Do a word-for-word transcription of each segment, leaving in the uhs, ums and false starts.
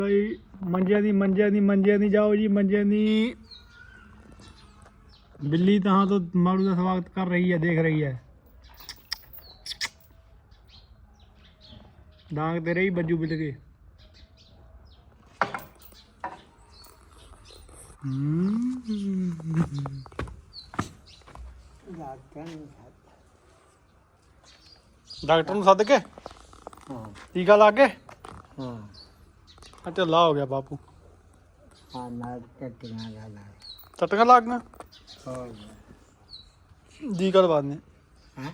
भाई मंजिया दी मंजिया दी मंजिया दी जाओ जी मंजिया दी बिल्ली तहाँ तो मारू का स्वागत कर रही है, देख रही है। डांग दे रही बज्जू बिल के। डॉक्टर ਨੂੰ ਸੱਦ ਕੇ ਹਾਂ ਟੀਕਾ ਲਾ ਕੇ ਹਾਂ ਆ ਢਿੱਲਾ ਹੋ ਗਿਆ ਬਾਪੂ। ਹਾਂ ਨਾਲ ਟੱਟੀਆਂ ਲਾ ਲਾ ਟੱਟੀਆਂ ਲੱਗ ਗਈਆਂ ਹੋਰ ਜੀ ਕਦ ਬਾਅਦ ਨੇ ਹਾਂ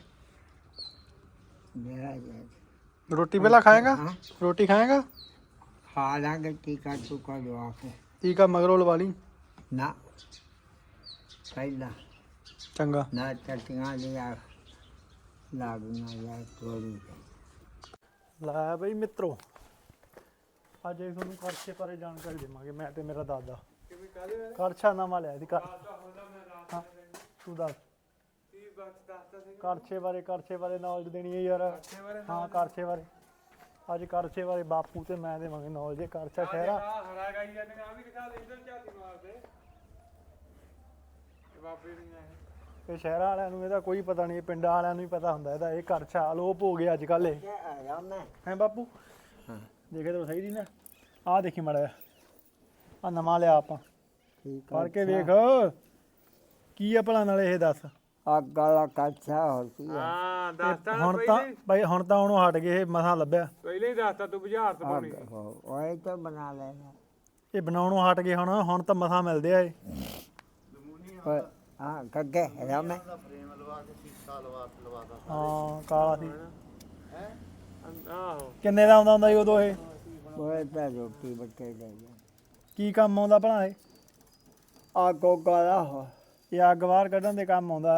ਮੇਰਾ ਜੀ रोटी पहला खाएगा? हाँ? रोटी खाएगा? खा लांगे टीका टूका लगा के टीका मगरों लवा ली ना पहला चंगा ना टट्टियां लिया लागूंगा या थोड़ी ला बई मित्रों ਅੱਜ ਇਹ ਤੁਹਾਨੂੰ ਕਰਛੇ ਬਾਰੇ ਜਾਣਕਾਰੀ ਦੇਵਾਂਗੇ ਮੈਂ ਤੇ ਮੇਰਾ ਦਾਦਾ। ਕਰਛਾ ਨਵਾਂ ਲਿਆ ਸੀ ਕਰ ਹਾਂ ਤੂੰ ਦੱਸ ਕਰਛੇ ਬਾਰੇ ਕਰਛੇ ਬਾਰੇ ਨੌਲੇਜ ਦੇਣੀ ਹੈ ਯਾਰ। ਹਾਂ ਕਰਛੇ ਬਾਰੇ ਅੱਜ ਕਰਛੇ ਬਾਰੇ ਬਾਪੂ ਤੇ ਮੈਂ ਦੇਵਾਂਗੇ ਨੌਲੇਜ। ਕਰਛਾ ਸ਼ਹਿਰਾ ਹਰਾ ਗਾਈ ਜਾਂਦੇ ਨੇ ਆ ਵੀ ਦਿਖਾ ਦੇ ਇਧਰ ਝਾਤੀ ਮਾਰਦੇ ਇਹ ਬਾਬੇ ਦੀਆਂ ਇਹ ਇਹ ਸ਼ਹਿਰਾਂ ਵਾਲਿਆਂ ਨੂੰ ਇਹਦਾ ਕੋਈ ਪਤਾ ਨਹੀਂ, ਪਿੰਡਾਂ ਵਾਲਿਆਂ ਨੂੰ ਹੀ ਪਤਾ ਹੁੰਦਾ ਇਹਦਾ। ਇਹ ਕਰਛਾ ਅਲੋਪ ਹੋ ਗਿਆ ਅੱਜ ਕੱਲ੍ਹ। ਇਹ आया मैं ਹੈ ਬਾਪੂ हाँ ਦੇਖੇ ਤਾਂ ਸਹੀ ਨਹੀਂ ਨਾ। ਆਹ ਦੇਖੀ ਮਾੜਾ ਆ ਨਵਾਂ ਲਿਆ ਆਪਾਂ ठीक ਫੜ ਕੇ ਵੇਖ ਕੀ ਆ ਭਲਾ ਨਾਲੇ ਇਹ ਦੱਸ। आग वाला कच्चा होती है ਹਾਂ ਦੱਸਤਾ ਨਾ ਹੁਣ ਤਾਂ ਪਹਿਲੇ ਬਾਈ ਹੁਣ ਤਾਂ ਉਹਨੂੰ ਹਟ ਗਏ, ਇਹ ਮਸਾਂ ਲੱਭਿਆ। ਪਹਿਲੇ ਹੀ ਦੱਸਤਾ ਤੂੰ ਬੁਝਾਰਤ ਪਾਉਣੀ आग हो वही तो बना लेना ਇਹ ਬਣਾਉਣੋਂ ਹਟ ਗਏ ਹੁਣ ਹੁਣ ਤਾਂ ਮਸਾਂ ਮਿਲਦੇ ਆ ਇਹ। और हाँ कगे है मैं ਹਾਂ ਕਾਲਾ ਸੀ। ਆਹੋ ਕਿੰਨੇ ਦਾ ਆਉਂਦਾ ਹੁੰਦਾ ਸੀ ਉਦੋਂ ਇਹ? वो तो रोटी बच्चे ले गए ਕੀ ਕੰਮ ਆਉਂਦਾ ਭਲਾ ਇਹ? आगो गला हो ਇਹ ਅੱਗ ਬਾਹਰ ਕੱਢਣ ਦੇ ਕੰਮ ਆਉਂਦਾ।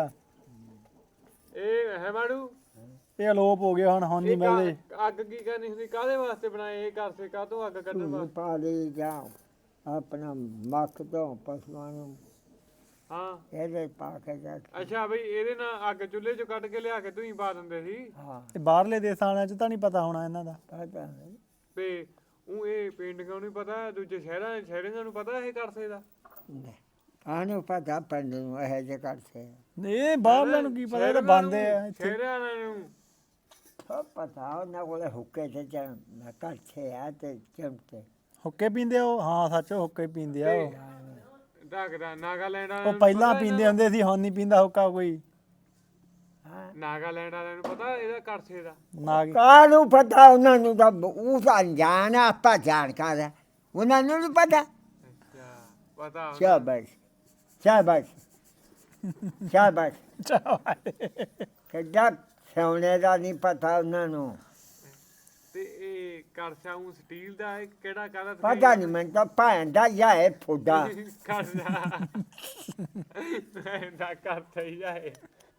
ਇਹ ਹੈ ਮਾੜੂ ਇਹ ਅਲੋਪ ਹੋ ਗਿਆ ਹੁਣ ਹੁਣ ਨਹੀਂ ਇਹ ਮਿਲਦੇ। ਕਾ- ਅੱਗ ਕੀ ਕਰਨੀ ਹੁੰਦੀ ਕਾਹਦੇ ਵਾਸਤੇ ਬਣਾਏ ਇਹ ਘਰ ਸੇ ਕਾਹਤੋਂ ਅੱਗ ਕੱਢਣ ਵਾਸਤੇ? पाली जाओ अपना मख दो पशुओं ਨੂੰ ਹਾਂ ਇਹਦੇ ਪਾ ਕੇ ਜਾ ਅੱਛਾ ਬਈ ਇਹਦੇ ਨਾਲ ਅੱਗ ਚੁੱਲ੍ਹੇ ਚੋਂ ਕੱਢ ਕੇ ਲਿਆ ਕੇ ਤੂੰ ਹੀ ਪਾ ਦਿੰਦੇ ਸੀ ਹਾਂ ਇਹ ਬਾਹਰਲੇ ਦੇਸਾਂ ਵਾਲਿਆਂ 'ਚ ਤਾਂ ਨਹੀਂ ਪਤਾ ਹੋਣਾ ਇਹਨਾਂ ਦਾ। ਪਤਾ ਨਹੀਂ ਤੇ ਉਹ ਇਹ ਪਿੰਡਾਂ ਨੂੰ ਪਤਾ, ਦੂਜੇ ਸ਼ਹਿਰਾਂ ਸ਼ਹਿਰਾਂ ਨੂੰ ਪਤਾ ਇਹ ਕਰ ਸਕਦਾ। ਆਨੂੰ ਪਤਾ ਪਿੰਡ ਨੂੰ ਇਹ ਜੇ ਕਰਦੇ ਇਹ ਬਾਹਰਲਿਆਂ ਨੂੰ ਕੀ ਪਤਾ, ਇਹ ਤਾਂ ਬੰਦੇ ਆ ਇੱਥੇ। ਸ਼ਹਿਰਾਂ ਨੂੰ ਸਭ ਪਤਾ ਉਹਨਾਂ ਕੋਲੇ ਹੁੱਕੇ ਤੇ ਚੜ ਕੱਛੇ ਆ ਤੇ ਚਮਤੇ ਹੁੱਕੇ ਪੀਂਦੇ ਆ ਉਹ? ਹਾਂ ਸੱਚ ਹੁੱਕੇ ਪੀਂਦੇ ਆ ਉਹ। ਢੱਕਦਾ ਨਾਗਾਲੈਂਡ ਵਾਲਿਆਂ ਉਹ ਨੂੰ ਪਹਿਲਾਂ ਪਤਾ ਪੀਂਦੇ ਹੁੰਦੇ ਸੀ, ਹੁਣ ਨਹੀਂ ਪੀਂਦਾ ਹੁੱਕਾ ਕੋਈ। ਹਾਂ ਨਾਗਾਲੈਂਡ ਵਾਲਿਆਂ ਨੂੰ ਪਤਾ ਇਹਦਾ ਕਰਸੇ ਦਾ। ਨਾ ਕਾਹਨੂੰ ਪਤਾ ਉਹਨਾਂ ਨੂੰ ਤਾਂ ਉਹ ਤਾਂ ਅਣਜਾਣ ਆ, ਆਪਾਂ ਜਾਣਕਾਰ ਆ, ਉਹਨਾਂ ਨੂੰ ਨਹੀਂ ਪਤਾ। ਅੱਛਾ ਪਤਾ ਹੁੰਦਾ। ਸ਼ਾਬਾਸ਼ ਸ਼ਾਬਾਸ਼ ਸ਼ਾਬਾਸ਼ ਚਾਹ ਕਿੱਦਾਂ ਸੋਨੇ ਦਾ ਨਹੀਂ ਪਤਾ ਉਹਨਾਂ ਨੂੰ। ਤੇ ਇਹ ਕਰਸਾ ਉਹ ਸਟੀਲ ਦਾ ਹੈ ਕਿਹੜਾ ਕਾਹਦਾ ਪਤਾ ਨਹੀਂ ਮੈਨੂੰ ਤਾਂ ਭੈਣ ਦਾ ਜਾਂ ਇਹ ਫੁੱਡਾ ਕਰਦਾ ਦਾ ਕਰਤਾ ਹੀ ਜਾਏ।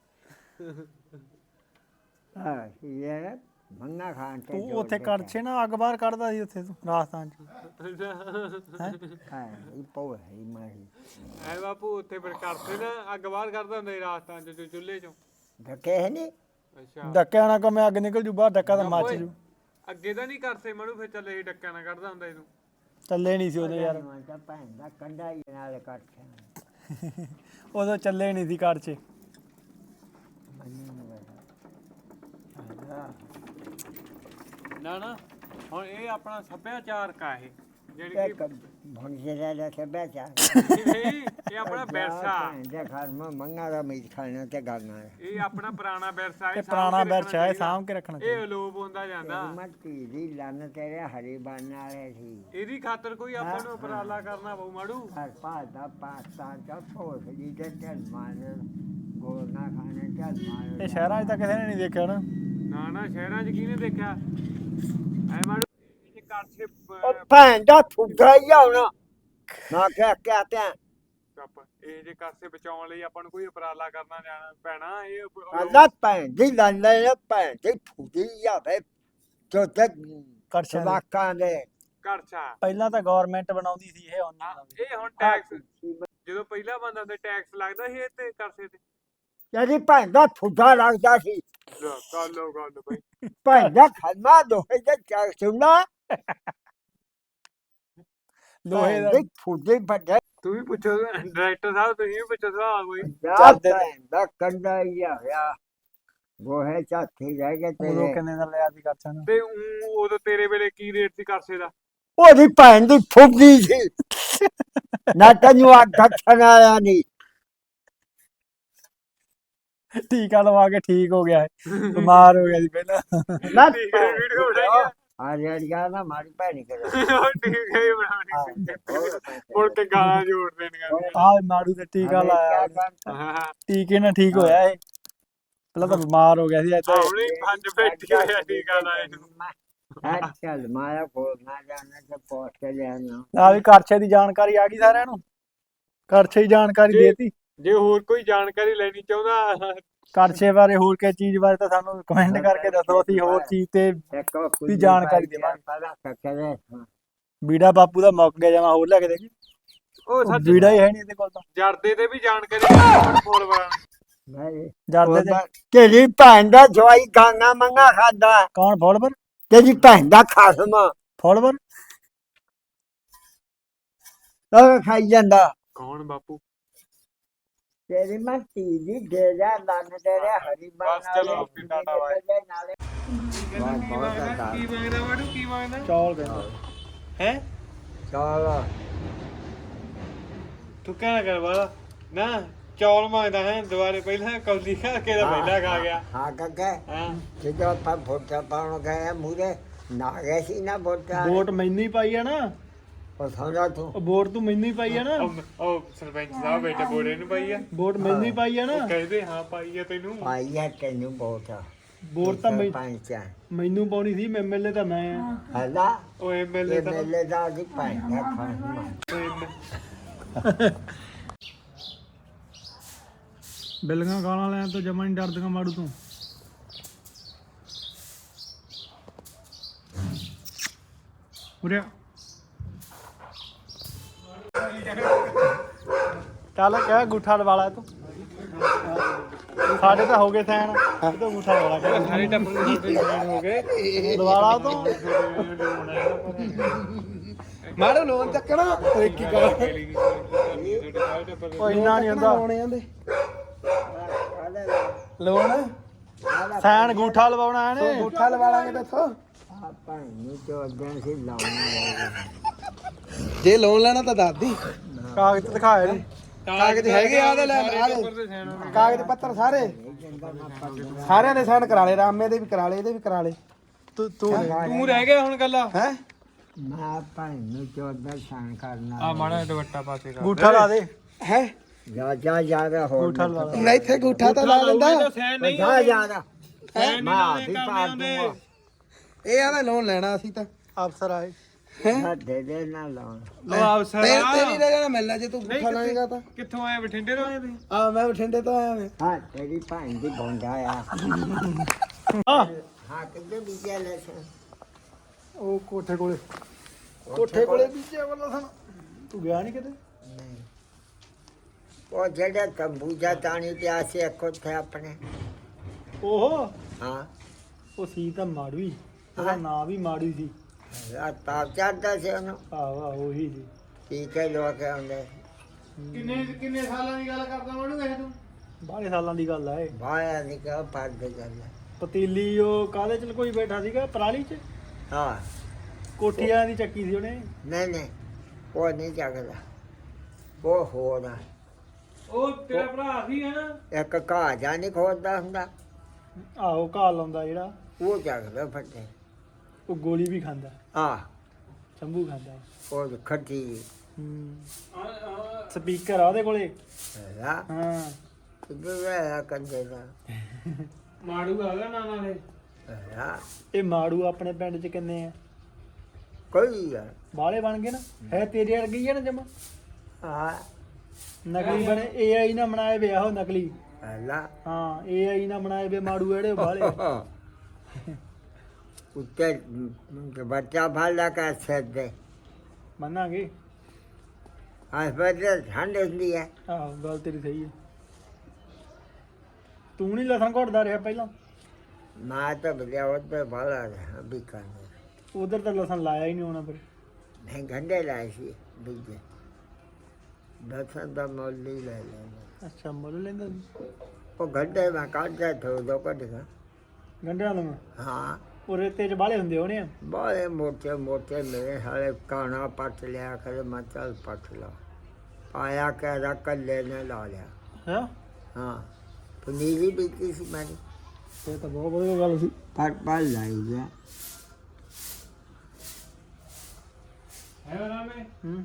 ਹਾਂ ਇਹ ਮੰਨਾ ਖਾਣ ਤੇ ਤੂੰ ਉੱਥੇ ਕੜਛੇ ਨਾ ਅੱਗ ਬਾਹਰ ਕੱਢਦਾ ਸੀ ਉੱਥੇ ਤੂੰ ਰਾਜਸਥਾਨ 'ਚ ਹੈਂ? ਹਾਂ ਇਹ ਪੋ ਹੈ ਇਹ ਮਾਰੀ ਐ ਬਾਪੂ ਉੱਥੇ ਫਿਰ ਕਰਤੇ ਨਾ ਅੱਗ ਬਾਹਰ ਕਰਦਾ ਹੁੰਦਾ ਸੀ ਰਾਜਸਥਾਨ ਚ ਚੁੱਲ੍ਹੇ ਚੋਂ। ਧੱਕੇ ਹੈ ਨਹੀਂ ਅੱਛਾ ਡੱਕਿਆ ਨਾ ਕਮੇ ਅੱਗ ਨਿਕਲ ਜੂ ਬਾਹਰ, ਡੱਕਾ ਤਾਂ ਮੱਚ ਜੂ। ਅੱਗੇ ਤਾਂ ਨਹੀਂ ਕਰਤੇ ਮਣੂ ਫਿਰ ਚੱਲੇ ਸੀ ਡੱਕਿਆ ਨਾ ਕੱਢਦਾ ਹੁੰਦਾ ਇਹਨੂੰ। ਚੱਲੇ ਨਹੀਂ ਸੀ ਉਦੋਂ ਯਾਰ, ਮੈਂ ਤਾਂ ਭੈਣ ਦਾ ਕੰਡਾ ਹੀ ਨਾਲ ਕੱਟਿਆ ਉਦੋਂ ਚੱਲੇ ਨਹੀਂ ਸੀ ਕੜਛੇ। ਮੈਨੂੰ ਨਹੀਂ ਪਤਾ ਨਾ ਨਾ ਹੁਣ ਇਹ ਆਪਣਾ ਸੱਭਿਆਚਾਰ ਕਾ ਇਹ ਜਿਹੜੀ ਇਹ ਕਿ ਭੰਗੇਰਾ ਦਾ ਸੱਭਿਆਚਾਰ ਨਹੀਂ, ਇਹ ਆਪਣਾ ਵਿਰਸਾ ਜੇ ਘਰ ਮੈਂ ਮੰਗਾ ਦਾ ਮੀਟ ਖਾਣਾ ਤੇ ਗਾਣਾ ਇਹ ਆਪਣਾ ਪੁਰਾਣਾ ਵਿਰਸਾ ਇਹ ਇਹ ਪੁਰਾਣਾ ਸਾਂਭ ਕੇ ਵਿਰਸਾ ਹੈ, ਰੱਖਣਾ ਸਾਂਭ ਕੇ ਰੱਖਣਾ ਚਾਹੀਦਾ। ਇਹ ਚਾਹੀਦਾ। ਅਲੋਪ ਹੁੰਦਾ ਜਾਂਦਾ। ਮੱਤੀ ਦੀ ਲੰਨ ਤੇਰੇ ਹਰੀ ਬਣ ਵਾਲੇ ਸੀ ਇਹਦੀ ਖਾਤਰ ਕੋਈ ਆਪਾਂ ਨੂੰ ਉਪਰਾਲਾ ਕਰਨਾ ਪਊ ਮਾੜੂ। ਘਰ ਪਾਦਾ ਪਾਕਿਸਤਾਨ ਦਾ ਫੌਜ ਜੀ ਦੇ ਚੱਲ ਮਾਰ ਗੋਨਾ ਖਾਣੇ ਚੱਲ ਮਾਰ ਇਹ ਸ਼ਹਿਰਾਂ 'ਚ ਤਾਂ ਕਿਸੇ ਨੇ ਨਹੀਂ ਦੇਖਿਆ ਨਾ। ਨਾ ਨਾ ਸ਼ਹਿਰਾਂ 'ਚ ਕਿਹਨੇ ਦੇਖਿਆ ਐ ਮਾੜੂ ਇਹ ਕਰਛੇ ਉਹ ਭੈਣ ਦਾ ਫੁੱਟਾ ਹੀ ਆਉਣਾ ਨਾ ਕਹਿ ਕਹਤੇ ਆ ਕੱਪ ਇਹ ਜੇ ਕਰਸੇ ਬਚਾਉਣ ਲਈ ਆਪਾਂ ਨੂੰ ਕੋਈ ਉਪਰਾਲਾ ਕਰਨਾ ਜਾਣਾ ਪੈਣਾ। ਇਹ ਉਪ- ਅੱਲਾ ਭੈਣ ਦੀ ਲੰਨ ਲੈ ਭੈਣ ਦੀ ਫੁੱਟੀ ਜਾਵੇ ਜੋ ਤੇ ਕੜਛਿਆਂ ਦੀ। ਸਵਾਕਾਂ ਦੇ ਕਰਛਾ ਪਹਿਲਾਂ ਤਾਂ ਗਵਰਨਮੈਂਟ ਬਣਾਉਂਦੀ ਸੀ, ਇਹ ਹੁਣ ਨਹੀਂ ਹਾਂ, ਬਣਾਉਂਦੀ। ਇਹ ਹੁਣ ਟੈਕਸ ਜਦੋਂ ਪਹਿਲਾਂ ਬੰਦਾ ਤੇ ਟੈਕਸ ਲੱਗਦਾ ਸੀ ਇਹ ਤੇ ਕਰਸੇ ਤੇ ਯਾਰੀ ਭੈਣ ਦਾ ਫੁੱਟਾ ਲੱਗਦਾ ਸੀ ਲੈ ਕਰ ਲੋ ਗੱਲ ਬਈ। ਭੈਣ ਦਾ ਖੰਮਾ ਦੋਹੇ ਦੇ ਚੱਕ ਸੁਣਾ ਲੋਹੇ ਦਾ ਦੇ ਫੁੱਟੇ ਫੱਟੇ ਤੂੰ ਵੀ ਪੁੱਛੋ ਡਾਇਰੈਕਟਰ ਸਾਹਿਬ ਤੁਸੀਂ ਵੀ ਪੁੱਛੋ ਸਵਾਲ ਕੋਈ ਜਾਂਦੇ ਦਾ ਕੰਡਾ ਹੀ ਆ ਹੋਇਆ ਗੋਹੇ ਝਾਥੀ ਰਹਿ ਗਏ ਉਦੋਂ ਤੇਰੇ ਕਿੰਨੇ ਦਾ ਲਿਆ ਸੀ ਕਰਛਾ ਨੂੰ? ਤੇ ਊਂ ਉਦੋਂ ਤੇਰੇ ਵੇਲੇ ਕੀ ਰੇਟ ਸੀ ਕਰਸੇ ਦਾ? ਉਹਦੀ ਭੈਣ ਦੀ ਫੁੱਫਦੀ ਸੀ ਨਾ ਤੈਨੂੰ ਆ ਗੱਠਣ ਆਇਆ ਨਹੀਂ ਟੀਕਾ ਲਵਾ ਕੇ ਠੀਕ ਹੋ ਗਿਆ ਹੈ ਬਿਮਾਰ ਹੋ ਗਿਆ ਸੀ ਪਹਿਲਾਂ ਨਾ ਠੀਕ ਹੈ ਵੀਡੀਓ ਬਣਾਈ ਆ ਰੇੜੀਆਂ ਨਾ ਮਾਰੀ ਭੈਣੀ ਕਰ ਉਹ ਠੀਕ ਹੈ ਹੀ ਬਣਾਉਣੀ ਸੀ ਮੁੜ ਕੇ ਗਾਲਾਂ ਜੋੜ ਦੇਣੀਆਂ ਆਹ ਮਾੜੂ ਤੇ ਟੀਕਾ ਲਾਇਆ ਹਾਂ ਹਾਂ ਟੀਕੇ ਨਾਲ ਠੀਕ ਹੋਇਆ ਇਹ ਪਹਿਲਾਂ ਤਾਂ ਬਿਮਾਰ ਹੋ ਗਿਆ ਸੀ ਅੱਜ ਹੁਣੇ ਪੰਜ ਬੈਠੀ ਹੋਇਆ ਟੀਕਾ ਲਾਏ ਨੂੰ ਚੱਲ ਮਾਇਆ ਕੋਲ ਨਾ ਜਾਣਾ ਤੇ ਪਹੁੰਚ ਕੇ ਲਿਆਣਾ ਆ ਵੀ ਕਰਛੇ ਦੀ ਜਾਣਕਾਰੀ ਆ ਗਈ ਸਾਰਿਆਂ ਨੂੰ ਕਰਛੇ ਦੀ ਜਾਣਕਾਰੀ ਜੀ। ਦੇਤੀ ਜੇ ਹੋਰ ਕੋਈ ਜਾਣਕਾਰੀ ਲੈਣੀ ਚਾਹੁੰਦਾ ਕਰਛੇ ਬਾਰੇ ਹੋਰ ਕਿਸੇ ਚੀਜ਼ ਬਾਰੇ ਤਾਂ ਸਾਨੂੰ ਕਮੈਂਟ ਕਰਕੇ ਦੱਸੋ ਅਸੀਂ ਹੋਰ ਚੀਜ਼ ਤੇ ਇੱਕ ਵੀ ਜਾਣਕਾਰੀ ਦੇਵਾਂਗੇ। ਪਹਿਲਾਂ ਕੱਕੇ ਬੀੜਾ ਬਾਪੂ ਦਾ ਮੁੱਕ ਗਿਆ ਜਮਾ ਹੋਰ ਲੈ ਕੇ ਦੇ ਉਹ ਸੱਚ ਬੀੜਾ ਹੀ ਹੈ ਨਹੀਂ ਇਹਦੇ ਕੋਲ ਤਾਂ ਜਰਦੇ ਤੇ ਵੀ ਜਾਣਕਾਰੀ ਫੋਲੋਵਰਾਂ ਨਹੀਂ ਜਰਦੇ ਤੇ ਤੇਰੀ ਭੈਣ ਦਾ ਜਵਾਈ ਗਾਂਗਾ ਮੰਗਾ ਖਾਦਾ ਕੌਣ ਫੋਲੋਵਰ ਤੇਰੀ ਭੈਣ ਦਾ ਖਾਸਮਾ ਫੋਲੋਵਰ ਉਹ ਖਾਈ ਜਾਂਦਾ ਕੌਣ ਬਾਪੂ? ਤੇਰੀ ਮਾਂ ਧੀ ਦੇ ਜਾ ਲੰਨ ਤੇਰੇ ਹਰੀ ਬਸ ਚਲੋ, ਫਿਰ ਟਾਟਾ ਬਾਏ। ਨਾਲੇ ਕੀ ਮੰਗਦਾ ਕੀ ਮੰਗਦਾ ਵਾੜੂ ਕੀ ਮੰਗਦਾ ਚੌਲ ਕਹਿੰਦਾ ਹੈ? ਚਲ ਤੂੰ ਕਹਿਣਾ ਕਰ ਵਾਲਾ ਨਾ ਚੌਲ ਮੰਗਦਾ ਹੈ ਦੁਬਾਰੇ ਪਹਿਲਾਂ ਕੌਲੀ ਖਾ ਕੇ ਤਾਂ ਪਹਿਲਾਂ ਖਾ ਗਿਆ ਹਾਂ ਕੱਕੇ ਹਾਂ ਜਦੋਂ ਆਪਾਂ ਫੋਟਾ ਪਾਉਣ ਗਏ ਮੂਰੇ ਨਾ ਗਏ ਸੀ ਨਾ ਫੋਟਾ ਵੋਟ ਮੈਨੂੰ ਹੀ ਪਾਈ ਆ ਨਾ ਉਹ ਸਮਝਾ ਤੂੰ ਉਹ ਵੋਟ ਤੂੰ ਮੈਨੂੰ ਹੀ ਪਾਈ ਆ ਨਾ ਉਹ ਉਹ ਸਰਪੰਚ ਸਾਹਿਬ ਬੇਟੇ ਬੋੜੇ ਨੂੰ ਪਾਈ ਆ ਵੋਟ ਮੈਨੂੰ ਹੀ ਪਾਈ ਆ ਨਾ ਉਹ ਕਹਿੰਦੇ ਹਾਂ ਪਾਈ ਆ ਤੈਨੂੰ ਪਾਈ ਹੈ ਤੈਨੂੰ ਬਹੁਤ ਆ ਵੋਟ ਤਾਂ ਮੈਂ- ਪੰਜ ਆ ਮੈਨੂੰ ਪਾਉਣੀ ਸੀ ਐਮਐਲਏ ਤਾਂ ਮੈਂ ਆ ਹਲਾ ਉਹ ਐਮਐਲਏ ਇਹ ਤਾਂ ਮੇਲੇ ਦਾ ਦੀ ਭੈਣ ਦਾ ਖਾਸਮਾ ਬਿੱਲੀਆਂ ਗਾਲਾਂ ਲੈਣ ਤੋਂ ਜਮਾ ਨਹੀਂ ਡਰਦੀਆਂ ਮਾੜੂ ਤੂੰ ਉਰਿਆ ਚੱਲ ਕਹਿ ਗੁੱਠਾ ਲਵਾਲਾ ਤੂੰ ਸਾਡੇ ਤਾਂ ਹੋ ਗਏ ਸੈਨ ਇਹ ਤਾਂ ਗੁੱਠਾ ਲਵਾਲਾ ਕਹਿ ਸਾਰੇ ਟੱਬਰ ਨੂੰ ਛੋਟੇ ਜਵਾਨ ਹੋ ਗਏ ਲਵਾਲਾ ਤੂੰ ਮਾੜੋ ਲੋਨ ਚੱਕਣਾ ਇੱਕ ਹੀ ਕਰ ਉਹ ਇੰਨਾ ਨਹੀਂ ਹੁੰਦਾ ਆਂਦੇ ਲੋਨ ਸੈਨ ਗੁੱਠਾ ਲਵਾਉਣਾ ਇਹਨੇ ਗੁੱਠਾ ਲਵਾ ਲਾਂਗੇ ਤੇ ਇੱਥੋਂ ਆ ਭੈਣ ਨੂੰ ਤੋਂ ਅੱਗੇ ਸੀ ਲਾਉਣਾ ਜੇ ਲੋਨ ਲੈਣਾ ਤਾਂ ਦੱਸ ਦੀ ਕਾਗਜ਼ ਦਿਖਾਏ ਨੇ ਕਾਗਜ਼ ਹੈਗੇ ਆ ਉਹਦੇ ਲੈ ਆ ਲੈ ਕਾਗਜ਼ ਪੱਤਰ ਸਾਰੇ ਸਾਰਿਆਂ ਦੇ ਸਾਈਨ ਕਰਾ ਲਏ ਰਾਮੇ ਦੇ ਵੀ ਕਰਾ ਲਏ ਇਹਦੇ ਵੀ ਕਰਾ ਲਏ ਤੂੰ ਤੂੰ ਤੂੰ ਰਹਿ ਗਿਆ ਹੁਣ ਗੱਲਾਂ ਹੈ ਮੈਂ ਭੈਣ ਨੂੰ ਚੋਦਾ ਸ਼ਾਨ ਕਰਨਾ ਆ ਮਾੜਾ ਦੁਪੱਟਾ ਪਾ ਕੇ ਕਰ ਗੁੱਠਾ ਲਾ ਦੇ ਹੈ ਜਾ ਜਾ ਜਾ ਹੋਰ ਗੁੱਠਾ ਲਾ ਦੇ। ਨਹੀਂ ਇੱਥੇ ਗੁੱਠਾ ਤਾਂ ਲਾ ਲੈਂਦਾ ਸੈਨ ਨਹੀਂ ਜਾ ਜਾ ਜਾ ਸੈਨ ਮੈਂ ਨਹੀਂ ਵੀ ਕਰਨੇ ਪਾ ਆਉਂਦੇ ਦੂੰਗਾ ਇਹ ਆਦਾ ਲੋਨ ਲੈਣਾ ਅਸੀਂ ਤਾਂ ਅਫਸਰ ਆਏ ਨਾ ਦੇ ਦੇ ਨਾ ਲਾਉਣ ਉਹ ਅਫਸਰ ਤੇ ਆ। ਤੇਰੀ ਰਹਿ ਜਾਣਾ ਮਿਲਣਾ ਜੇ ਤੂੰ ਗੁੱਠਾ ਲਾਏਗਾ ਤਾਂ ਕਿੱਥੋਂ ਆਏ ਬਠਿੰਡੇ ਤੋਂ ਆਏ ਤੁਸੀਂ? ਆ ਮੈਂ ਬਠਿੰਡੇ ਤੋਂ ਆਇਆ ਮੈਂ ਹਾਂ ਤੇਰੀ ਭੈਣ ਦੀ ਬੋਂਡਾ ਆ ਹਾਂ ਹਾਂ ਕਿੱਥੇ ਬੀਜਿਆ ਲੈ ਸਨ ਉਹ ਕੋਠੇ ਕੋਲੇ ਕੋਠੇ ਕੋਲੇ ਬੀਜਿਆ ਵਾਲਾ ਸਨ ਤੂੰ ਗਿਆ ਨਹੀਂ ਕਿਤੇ ਉਹ ਜਿਹੜੇ ਤੰਬੂਜਾ ਤਾਣੀ ਪਿਆ ਸੀ ਇੱਕ ਉੱਥੇ ਆਪਣੇ ਓਹੋ ਹਾਂ ਉਹ ਸੀ ਤਾਂ ਮਾੜੂਈ ਉਹਦਾ ਨਾਂ ਵੀ ਮਾੜੂਈ ਸੀ ਆ ਤਾਪ ਚੜਦਾ ਸੀ ਉਹਨੂੰ ਆਹੋ ਆਹੋ ਉਹੀ ਸੀ ਠੀਕ ਹੈ ਲੋਕ ਆਉਂਦੇ ਕਿੰਨੇ ਕਿੰਨੇ ਸਾਲਾਂ ਦੀ ਗੱਲ ਕਰਦਾ ਵਾੜੂ ਇਹ ਤੂੰ? ਬਾਹਲੇ ਸਾਲਾਂ ਦੀ ਗੱਲ ਆ ਇਹ ਬਾਇਆ ਨਹੀਂ ਕਹ ਪੱਗ ਦੇ ਗੱਲ ਪਤੀਲੀ ਉਹ ਕਾਹਦੇ ਚ ਕੋਈ ਬੈਠਾ ਸੀਗਾ ਪਰਾਲੀ ਚ ਹਾਂ ਕੋਠੀਆਂ ਦੀ ਚੱਕੀ ਸੀ ਉਹਨੇ ਨਹੀਂ ਨਹੀਂ ਉਹ ਨਹੀਂ ਜਗਦਾ ਉਹ ਹੋਰ ਆ ਉਹ ਤੇਰਾ ਭਰਾ ਸੀ ਹੈ ਨਾ ਇੱਕ ਘਾਹ ਜਾ ਨਹੀਂ ਖੋਦਦਾ ਹੁੰਦਾ ਆਹੋ ਘਾਹ ਲਾਉਂਦਾ ਜਿਹੜਾ ਉਹ ਜਗਦਾ ਫੱਟੇ ਉਹ ਗੋਲੀ ਵੀ ਖਾਂਦਾ ਆ ਸ਼ੰਭੂ ਖਾਂਦਾ ਉਹ ਖੱਟੀ ਹੂੰ ਸਪੀਕਰ ਆ ਉਹਦੇ ਕੋਲੇ ਹਾਂ ਹਾਂ ਕਿੱਧਰ ਆ ਕੰਦੇ ਦਾ ਮਾੜੂ ਆ ਗਿਆ ਨਾ ਨਾਲੇ ਹਾਂ ਇਹ ਮਾੜੂ ਆਪਣੇ ਪਿੰਡ ਚ ਕਿੰਨੇ ਆ ਕੋਈ ਆ ਬਾਹਲੇ ਬਣ ਗਏ ਨਾ ਹੈ ਤੇਰੇ ਵਰਗੀ ਆ ਨਾ ਜਮਾ ਹਾਂ ਨਕਲੀ ਬਣੇ ਏਆਈ ਨਾ ਬਣਾਏ ਵੇ ਆਹੋ ਨਕਲੀ ਹਲਾ ਹਾਂ ਏਆਈ ਨਾ ਬਣਾਏ ਵੇ ਮਾੜੂ ਜਿਹੜੇ ਬਾਹਲੇ ਉੱਤੇ ਬੱਚਾ ਭਾਲਾ ਕਰ ਸਕਦੇ ਮੰਨਾਂਗੇ ਹਸਪਤਾਲ ਠੰਡ ਹੁੰਦੀ ਹੈ ਆਹੋ ਗੱਲ ਤੇਰੀ ਸਹੀ ਹੈ ਤੂੰ ਨਹੀਂ ਲਸਣ ਘੁੱਟਦਾ ਰਿਹਾ ਪਹਿਲਾਂ ਮੈਂ ਤਾਂ ਬਲਿਆ ਉੱਤੇ ਭਾਲਾ ਵੀ ਕਰਨਾ ਉਧਰ ਤਾਂ ਲਸਣ ਲਾਇਆ ਹੀ ਨਹੀਂ ਹੋਣਾ ਫਿਰ ਮੈਂ ਗੰਢੇ ਲਾਏ ਸੀ ਬੀਜੇ ਦਸਾਂ ਦਾ ਮੁੱਲ ਹੀ ਲੈ ਲੈਣਾ ਅੱਛਾ ਮੁੱਲ ਲੈਂਦਾ ਸੀ ਉਹ ਗੰਢੇ ਮੈਂ ਕੱਢਦਾ ਥੋ ਦੋ ਕੱਢਗਾ ਗੰਢਿਆਂ ਨੂੰ ਹਾਂ ਉਹ ਰੇਤੇ 'ਚ ਬਾਲੇ ਹੁੰਦੇ ਹੋਣੇ ਆ ਬੜੇ ਮੋਟੇ ਮੋਟੇ ਮੇਰੇ ਹਾਲੇ ਕਾਣਾ ਪੱਟ ਲਿਆ ਕਰੇ ਮੈਂ ਚੱਲ ਪੱਟ ਲਾ ਪਾਇਆ ਕਹਿਦਾ ਕੱਲੇ ਨੇ ਲਾ ਲਿਆ ਹੈ ਹਾਂ ਪਨੀਰੀ ਬੀਤੀ ਸੀ ਮੇਰੀ ਇਹ ਤਾਂ ਬਹੁਤ ਵਧੀਆ ਗੱਲ ਸੀ ਪਰ ਪਰ ਲਾਈ ਗਿਆ ਹੈ ਨਾ ਮੈਂ ਹੂੰ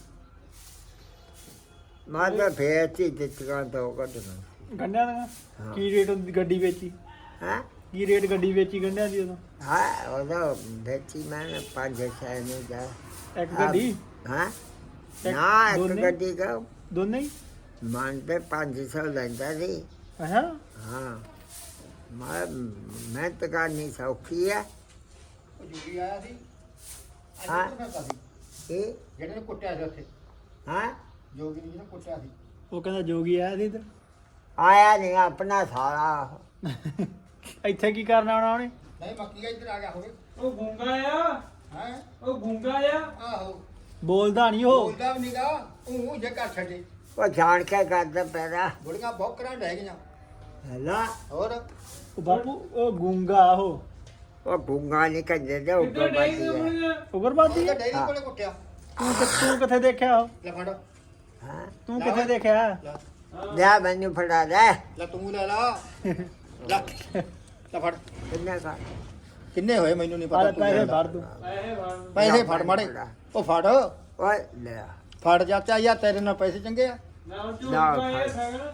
ਮੈਂ ਤਾਂ ਫੇਰ ਚੀ ਦਿੱਤੀਆਂ ਤੋਂ ਕੱਢਣਾ ਗੰਢਿਆਂ ਦਾ ਕੀ ਰੇਟ ਹੁੰਦੀ ਗੱਡੀ ਵੇਚੀ ਹਾਂ ਕੀ ਰੇਟ ਗੱਡੀ ਵੇਚੀ ਗੰਢਿਆਂ ਦੀ ਉਦੋਂ ਹਾਂ ਉਹਦਾ ਵੇਚੀ ਮੈਂ ਪੰਜ ਛੇ ਨੂੰ ਜਾ ਇੱਕ ਗੱਡੀ ਹਾਂ ਇੱਕ- ਨਾ ਇੱਕ ਦੋਨੇ? ਗੱਡੀ ਦਾ ਦੋਨੇ ਹੀ ਮਨ ਤੇ ਪੰਜ ਸੌ ਲੈਂਦਾ ਸੀ ਅੱਛਾ ਹਾਂ ਮੈਂ ਮਿਹਨਤ ਕਰਨੀ ਸੌਖੀ ਹੈ ਉਹ ਜੁਗੀ ਆਇਆ ਸੀ ਹਾਂ। ਸੀ ਇਹ ਜਿਹੜੇ ਨੇ ਕੁੱਟਿਆ ਸੀ ਉੱਥੇ ਹਾਂ ਜੋਗੀ ਨੇ ਜਿਹਨੇ ਕੁੱਟਿਆ ਸੀ ਉਹ ਕਹਿੰਦਾ ਜੋਗੀ ਆਇਆ ਸੀ ਇੱਧਰ ਆਇਆ ਨਹੀਂ ਆਪਣਾ ਸਾਰਾ ਇੱਥੇ ਕੀ ਕਰਨਾ ਆਉਣਾ ਉਹਨੇ ਨਹੀਂ ਮੱਕੀ ਇੱਧਰ ਆ ਗਿਆ ਹੋਵੇ ਉਹ ਗੁੰਗਾ ਆ ਹੈ ਉਹ ਗੁੰਗਾ ਆ ਆਹੋ ਬੋਲਦਾ ਨਹੀਂ ਉਹ ਬੋਲਦਾ ਵੀ ਨਹੀਂਗਾ ਉਹ ਜੇ ਘਰ ਛੱਡੇ ਉਹ ਜਾਣ ਕੇ ਕਰਦਾ ਪੈਦਾ ਬੁੜੀਆਂ ਬੌਕਰਾਂ ਰਹਿ ਗਈਆਂ ਹੈਲਾ ਹੋਰ ਉਹ ਬਾਪੂ ਉਹ ਗੂੰਗਾ ਉਹ ਉਹ ਗੁੰਗਾ ਨਹੀਂ ਕੰਦੇ ਦੇ ਕਿੱਧਰ ਉੱਪਰ ਡਾਈ ਬਾਤੀ ਹੈ ਆਪਣੀਆਂ ਉਗਰਬਾਦੀ ਉਹਦਾ ਹੈ? ਡੈਰੀ ਹਾਂ। ਕੋਲੇ ਕੁੱਟਿਆ ਤੂੰ ਕਿ- ਤੂੰ ਕਿੱਥੇ ਦੇਖਿਆ ਉਹ ਲੈ ਫੜ ਹਾਂ ਤੂੰ ਕਿੱਥੇ ਦੇਖਿਆ ਲੈ ਲੈ ਮੈਨੂੰ ਫੜਾ ਦੇ ਲੈ ਤੂੰ ਲੈ ਲਾ ਲੈ ਲੈ ਫੜ ਕਿੰਨਾ ਕਾ ਕਿੰਨੇ ਹੋਏ ਮੈਨੂੰ ਨਹੀਂ ਆਲੇ ਪਤਾ ਤੂੰ ਪੈਸੇ ਲੈ ਲਾ। ਭਰ ਦੂੰ ਪੈਸੇ ਭਰ ਪੈਸੇ ਫੜ ਮਾੜੇ ਉਹ ਫੜ ਓਏ ਲੈ ਫੜ ਚਾਚਾ ਯਾਰ ਤੇਰੇ ਨਾਲ ਪੈਸੇ ਚੰਗੇ ਆ ਨਾ ਉਹ ਨਾ, ਝੂਠਾ ਫੜ। ਇਹ ਸਗਣ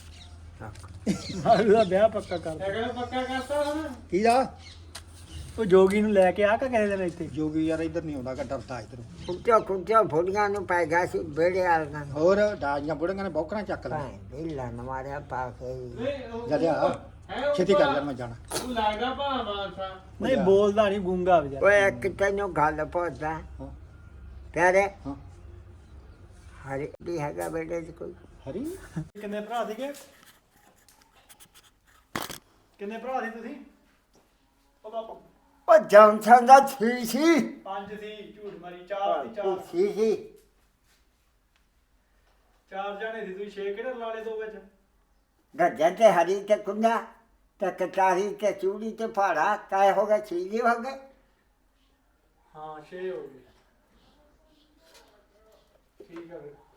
ਮਾਰੂ ਦਾ ਵਿਆਹ ਪੱਕਾ ਕਰ ਸਗਣ ਪੱਕਾ ਕਰਤਾ ਹੁਣ ਕੀ ਦਾ ਉਹ ਜੋਗੀ ਨੂੰ ਲੈ ਕੇ ਆ ਕਾ ਕਿਸੇ ਦਿਨ ਇੱਥੇ ਜੋਗੀ ਯਾਰ ਇੱਧਰ ਨਹੀਂ ਆਉਂਦਾ ਡਰਦਾ ਇੱਧਰ ਕੁੱਤਿਆਂ ਕੁੱਤਿਆਂ ਫੁੱਲੀਆਂ ਨੂੰ ਪੈ ਗਿਆ ਸੀ ਬੇੜੇ ਵਾਲੀਆਂ ਨੂੰ ਹੋਰ ਡਾਜੀਆਂ ਬੁੜੀਆਂ ਨੇ ਬੌਕਰਾਂ ਚੱਕ ਲੈ ਭਾਈ ਢਿੱਲਾ ਮਾਰਿਆ ਪਾ ਕੇ ਨਹੀਂ ਉਹ- ਜਲਿਆ ਹੈ ਉਹ ਛੇਤੀ ਕਰ ਭਾ- ਲੈ ਮੈਂ ਜਾਣਾ ਉਹ ਲੱਗਦਾ ਭਾ ਮਾਨਸਾ ਨਹੀਂ ਬੋਲਦਾ ਨਹੀਂ ਗੂੰਗਾ ਵਿਚਾਰਾ ਓਏ ਇੱਕ ਤੈਨੂੰ ਗੱਲ ਪੁੱਛਦਾ ਹਾਂ। ਪਿਆਰੇ ਹਾਂ ਹਰੀ ਵੀ ਹੈਗਾ ਬੇੜੇ ਚ ਕੋਈ ਹਰੀ ਕਿੰਨੇ ਭਰਾ ਸੀਗੇ ਕਿੰਨੇ ਭਰਾ ਸੀ ਤੁਸੀਂ ਉਹ ਬਾਪੂ ਉਹ ਜੌਨਸਨ ਦਾ ਛੀ ਸੀ ਪੰਜ ਸੀ ਝੂਠ ਮਾਰੀ ਚਾਰ ਸੀ ਚਾਰ ਛੀ ਸੀ ਚਾਰ ਜਾਣੇ ਸੀ ਤੁਸੀਂ ਛੇ ਕਿਹੜੇ ਲਾ ਲਏ ਦੋ ਵਿੱਚ ਗੱਜਾ ਤੇ ਹਰੀ ਤੇ ਕੁੰਡਾ ਤੇ ਕਟਾਰੀ ਤੇ ਚੂੜੀ ਤੇ ਫਾੜਾ ਕਾਇ ਹੋ ਗਿਆ ਛੀ ਜੀ ਹੋ ਗਏ ਹਾਂ ਛੇ ਹੋ ਗਏ ਠੀਕ ਆ ਫਿਰ